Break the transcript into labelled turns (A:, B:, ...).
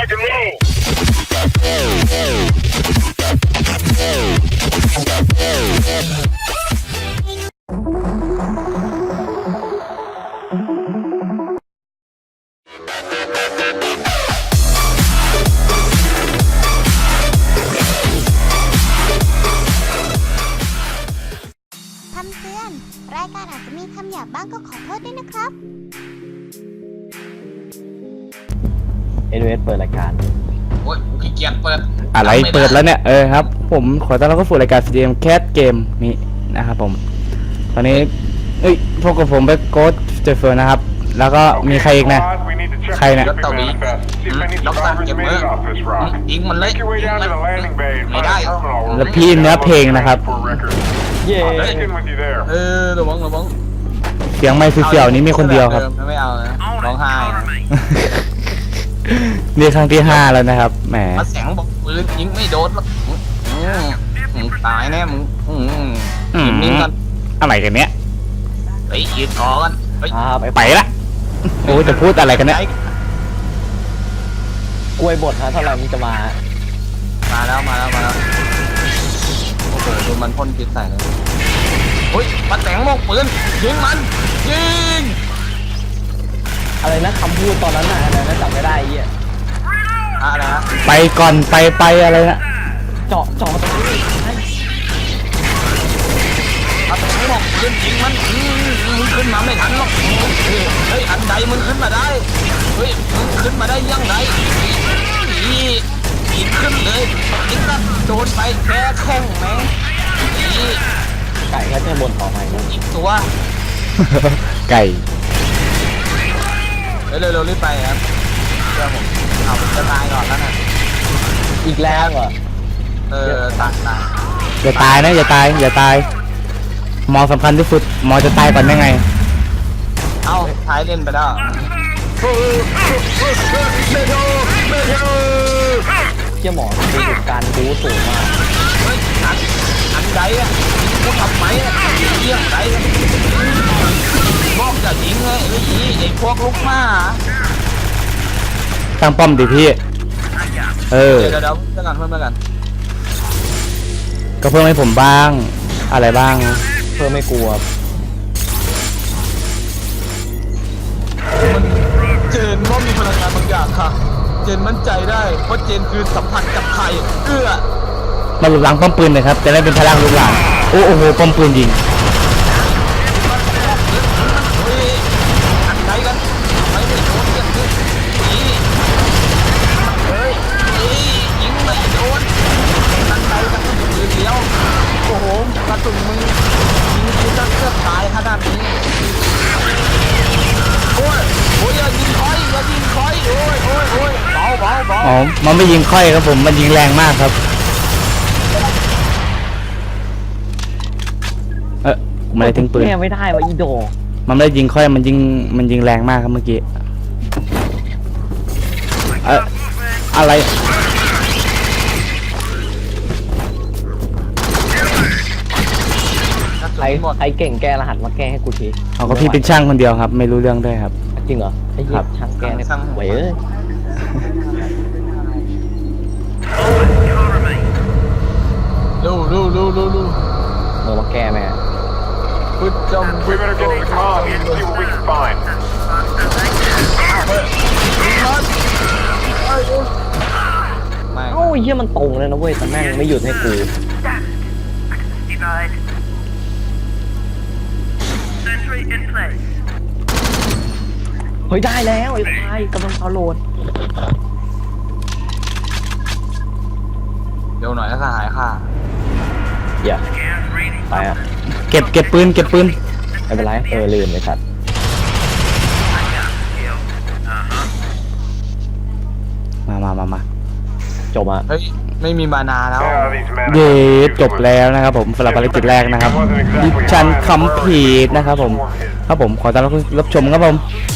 A: คำเตือนรายการอาจจะมีคำหยาบบ้างก็ขอโทษด้วยนะครับ
B: NWS เปิดรายการ
C: โอ้ยขี้เกียจเปิด
D: อะไรเปิดแล้วเนี่ยครับผมขอต้อนรับเข้าสู่รายการ CDM Cat Game นี้นะครับผมตอนนี้พวกกับผมเป็นโค้ชเจฟเฟอร์นะครับแล้วก็มีใครอีกนะใครเนี่ย
C: รถเต่าบีล็อกตามเก็บมือยิงมันเลยยิงมันไม่ได้
D: แล้วพี่เนื้อเพลงนะครับ
B: เย้
C: ระวัง
D: เสียงไม่เสียวๆนี้มีคนเดียวครับ
C: ไม่เอานะร้องไห้
D: นี่ครั้งที่5แล้วนะครับแหม
C: มาแสงบอกปืนยิงไม่โดนหรอกมึงตายแน่มึงยิงกัน
D: อะไรกันเนี้ย
C: ไปยืนก่อน
D: ไปละโอ้จะพูดอะไรกันเนี่ย
B: กล้วยบดฮะเท่าไหร่มันจะมา
C: แล้วโอ้โหดูมันพ่นพิษใส่เลยเฮ้ยมาแสงบอกปืนยิงมันยิง
B: อะไรนะคำพูดตอนนั้นน่ะอะไรนะจำไม่ได้เหี้ย
C: อะไรนะ
D: ไปก่อนไปอะไรนะ
B: เจาะตรงนี้
C: มาแสงบอกปืนยิงมันมึงขึ้นมาไม่ทันหรอกเฮ้ยอันใดมึงขึ้นมาได้เฮ้ยมึงขึ้นมาได้ยังไงยิงขึ้นเลยยิงก็โดนไปแค่แข้งแม่ง
B: ไก่ก็จะบนต่อใหม่นะ
C: อีกตัว
D: ไก่
C: เร็วรีบไปครับเดี๋ยวผมเอาผมจะตายก่อนแล้วนะ
B: อีกแล้วเหรอ
C: ตาย
D: อย่าตายนะอย่าตายมอสำคัญที่สุดมอจะตายก่อนได้ไง
C: เอ้าท้ายเล่นไปแล้ว
B: เจ้าหมอดูการดูสูงมาก
C: เฮ้ยอันใดอ่ะกูทำไมอ่ะเยี่ยงใดบอกจะยิงไงไอ้พวกลูกหมา
D: ตั้งป้อมดิพี่
C: เดี๋ยวเพิ่มกัน
D: ก็เพิ่มให้ผมบ้างอะไรบ้าง
B: เพื่อไม่กลัว
C: เจนว่ามีพลังงานบางอย่างค่ะเจนมั่นใจได้เพราะเจนคือสัมผัสกับไข่
D: มาหลุดหลังป้อมปืนเลยครับจะได้เป็นพลังลูกหลานโอ้โหป้อมปืนยิง
C: อันใดกันไม่ได้โดนอย่างนี้ยิงไม่โดนอันใดกันปืนเดียวโอ้โหกระสุนมึงยิงกูจะเกือบตายขนาดนี้โอ้ยอย่ายิงคอยโอ้ยเบา
D: อ๋อมันไม่ยิงค่อยครับผมมันยิงแรงมากครับไม่ได้ทิ้งปืน
B: แก้ไม่ได้วะอีโด
D: มันไม่ได้ยิงค่อยมันยิงแรงมากครับเมื่อกี้อะไร
B: ใครเก่งแก้รหัสมาแก้ให้กูที
D: เอาก็พี่เป็นช่างคนเดียวครับไม่รู้เรื่องด้วยครับ
B: จริงเหรอไอ้เหี้ยช่างแก้เนี่ยไหวเอ้ย
C: ดู
B: มาแก้แม่
C: พุทจม
E: We better get to command and see what we can find.
B: โอ้ยเหี้ยมันตรงเลยนะเว้ยแต่แม่งไม่หยุดให้กูเฮ้ยได้แล้วไอ้ควายกำลังเอาโหลด
C: เดี๋ยวหน่อยแล้วก็หายค่ะ
B: อย่าไปอ่ะ
D: เก็บปืน
B: ไม่เป็นไรลืมไอ้สัตว์
D: มา
B: จบอ่ะ
C: เฮ้ยไม่มีมานาแล้ว
D: เย้จบแล้วนะครับผมสำหรับภารกิจแรกนะครับดิฉันคำผิดนะครับผมขอต้อนรับชมครับผม